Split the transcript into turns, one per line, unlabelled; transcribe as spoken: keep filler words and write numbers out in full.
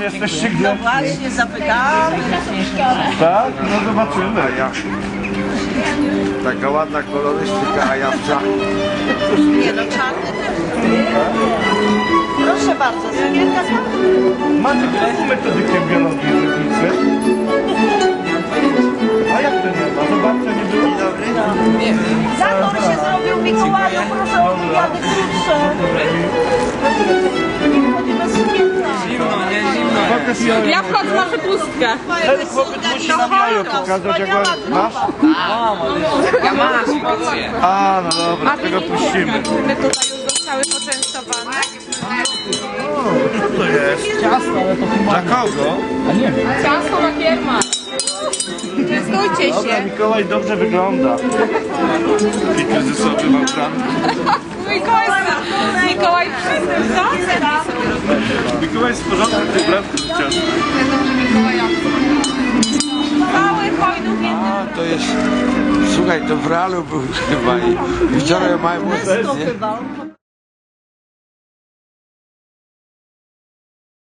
jesteście gdzie?
No właśnie, zapytamy.
Tak? No zobaczymy.
Ja. Taka ładna kolorystyka, a ja w czarnym.
Nie no, czarny też. Proszę bardzo, sukienka z
Macie którą metodykę biologii żywnicy? A jak to nie ma? Zobaczcie, nie było.
Zator się zrobił Mikołaju, proszę o wywiady krótsze. Nie wchodzi bez sukienka.
Ja wchodzę na wypustkę.
Ten chłopiec musi nam jajo pokazać, jak ładnie. Masz?
Ja mam emocje.
A, no dobra, tego puścimy.
My tutaj już zostały poczęstowane.
Co to jest? Ciasto, ale to chyba... Dla kogo?
Ciasto na kierma. Częstujcie
Dobra,
się.
Mikołaj dobrze wygląda. I kryzysowy ma plan.
Mikołaj, Mikołaj wszyscy, co?
Mikołaj jest w porządku, ty bratku ciasto.
Mały hojnów
A, to jest... Słuchaj, to w realu był chyba i wczoraj mają...
To chyba.